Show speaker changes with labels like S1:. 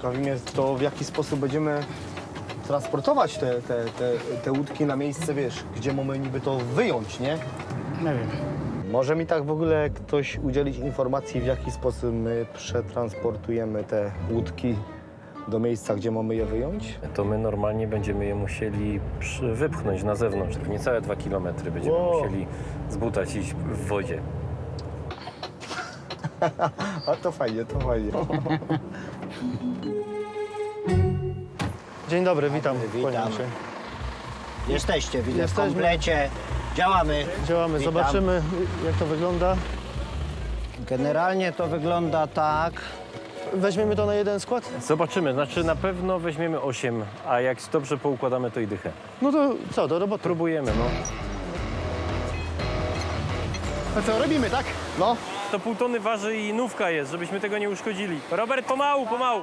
S1: Ciekawi mnie to, w jaki sposób będziemy transportować te łódki na miejsce, wiesz, gdzie mamy niby to wyjąć, nie?
S2: Nie wiem.
S1: Może mi tak w ogóle ktoś udzielić informacji, w jaki sposób my przetransportujemy te łódki do miejsca, gdzie mamy je wyjąć?
S3: To my normalnie będziemy je musieli wypchnąć na zewnątrz. Niecałe 2 kilometry będziemy musieli zbutać iść w wodzie.
S1: A to fajnie, to fajnie. Dzień dobry, witam.
S2: Witam.
S1: Kłaniam się.
S2: Jesteście, widzę, w
S1: Jesteśmy.
S2: komplecie. Działamy.
S1: Działamy,
S2: Witam.
S1: zobaczymy, jak to wygląda.
S2: Generalnie to wygląda tak.
S1: Weźmiemy to na jeden skład?
S3: Zobaczymy, znaczy na pewno weźmiemy 8, a jak dobrze poukładamy, to i dychę.
S1: No to co, do roboty.
S3: Próbujemy, no.
S1: A co, robimy, tak? No.
S3: To pół tony waży i nówka jest, żebyśmy tego nie uszkodzili. Robert, pomału, pomału.